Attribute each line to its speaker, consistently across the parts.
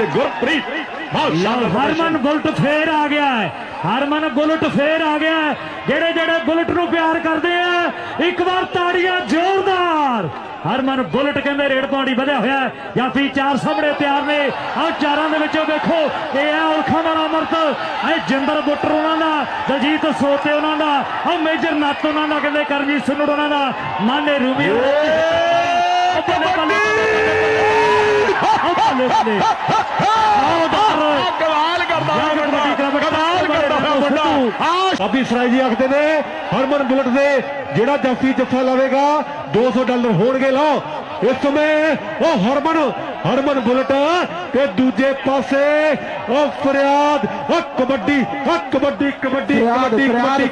Speaker 1: Gurpreet
Speaker 2: Harman bullet फेर आ गया है, हरमन बुलट फेर आ गया है। जेड़े जेड़े बुलट नूं प्यार करते हैं एक बार ताड़ियां जोरदार। हरमन बुलट कहते रेड पौड़ी बढ़िया होया जाफी चार सामने तैयार ने। आ चारां दे विचों देखो ये है उल्खा वाला अमृत, ए जिंदर बुटर उन्होंने दा, दलजीत सोते उन्होंने दा, आ मेजर नत्त उन्होंने दा, कहते करमजीत सुन्नड़ उन्होंने दा, माने रूबी
Speaker 1: काफी सराय जी आखते ने हरमन बुलट से जेड़ा जाफी जफा लवेगा $200 होणगे। लो इस समय वो हरमन बुलट ते दूजे पासे ओ फरियाद ओ kabaddi kabaddi kabaddi kabaddi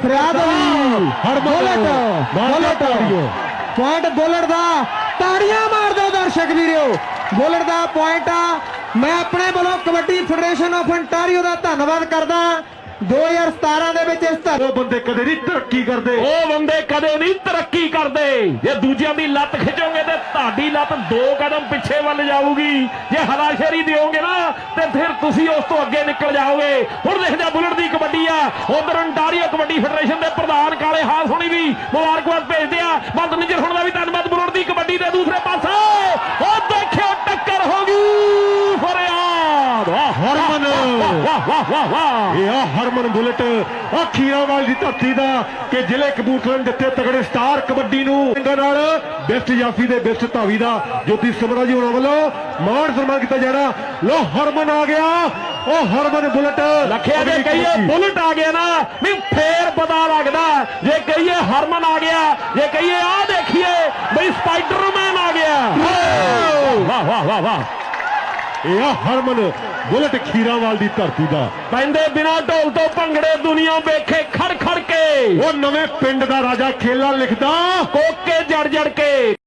Speaker 1: bullet
Speaker 3: point bullet दा ताड़ियां मार दो दर्शक वीरो। बुलट दा पॉइंट आ। मैं अपने वालों कबड्डी फेडरेशन ऑफ अंटारियो का धन्यवाद करदा। 2017 ਦੇ ਵਿੱਚ ਇਸ
Speaker 1: ਉਹ ਬੰਦੇ ਕਦੇ ਨਹੀਂ ਤਰੱਕੀ ਕਰਦੇ,
Speaker 4: ਉਹ ਬੰਦੇ ਕਦੇ ਨਹੀਂ ਤਰੱਕੀ ਕਰਦੇ। ਜੇ ਦੂਜਿਆਂ ਦੀ ਲੱਤ ਖਿੱਚੋਗੇ ਤੇ ਤੁਹਾਡੀ ਲੱਤ 2 ਕਦਮ ਪਿੱਛੇ ਵੱਲ ਜਾਊਗੀ। ਜੇ ਹਲਾਸ਼ੇਰੀ ਦਿਓਗੇ ਨਾ ਤੇ ਫਿਰ ਤੁਸੀਂ ਉਸ ਤੋਂ ਅੱਗੇ ਨਿਕਲ ਜਾਓਗੇ। ਹੁਣ ਦੇਖਦੇ ਬੁਲਟ ਦੀ ਕਬੱਡੀ ਆ। ਉਧਰ ਅੰਟਾਰੀਓ ਕਬੱਡੀ ਫੈਡਰੇਸ਼ਨ ਦੇ ਪ੍ਰਧਾਨ ਕਾਲੇ ਹਾਸ ਹੋਣੀ ਵੀ ਮੁਬਾਰਕਬਾਦ ਭੇਜਦੇ ਆ। ਬੰਦ ਨਿਜਰ ਹੁਣ ਦਾ ਵੀ ਧੰਨਵਾਦ ਬੁਲਟ ਦੀ ਕਬੱਡੀ ਦੇ ਦੂਸਰੇ ਪਾਸੇ। ਉਹ ਦੇਖਿਓ ਟੱਕਰ ਹੋ ਗਈ ਫਰਿਆਦ।
Speaker 1: हरमन
Speaker 4: ਵਾਹ ਵਾਹ ਵਾਹ ਵਾਹ।
Speaker 1: ਇਹ हरमन बुलट खीरावाल की धरती का कि जिले कबूतलर जिथे तगड़े स्टार कबड्डी नाल बेस्ट जाफी दे बेस्ट धावी का ज्योति समरा जी होना वालों मान सम्मान किया जा रहा। लो हरमन आ गया, ओ हरमन बुलट
Speaker 4: लखिया जे कहिए बुलट आ गया ना भी फेर पता लगता। जे कहिए हरमन आ गया, जे कहिए आ देखिए भाई स्पाइडरमैन आ गया। वाह वाह वाह वाह।
Speaker 1: यह हरमन बुलट खीरावाल की धरती का
Speaker 4: पैंदे बिना ढोल तो भंगड़े दुनिया वेखे खड़ खड़ के।
Speaker 1: वो नवे पिंड का राजा खेला लिखदा
Speaker 4: कोके जड़ जड़ के।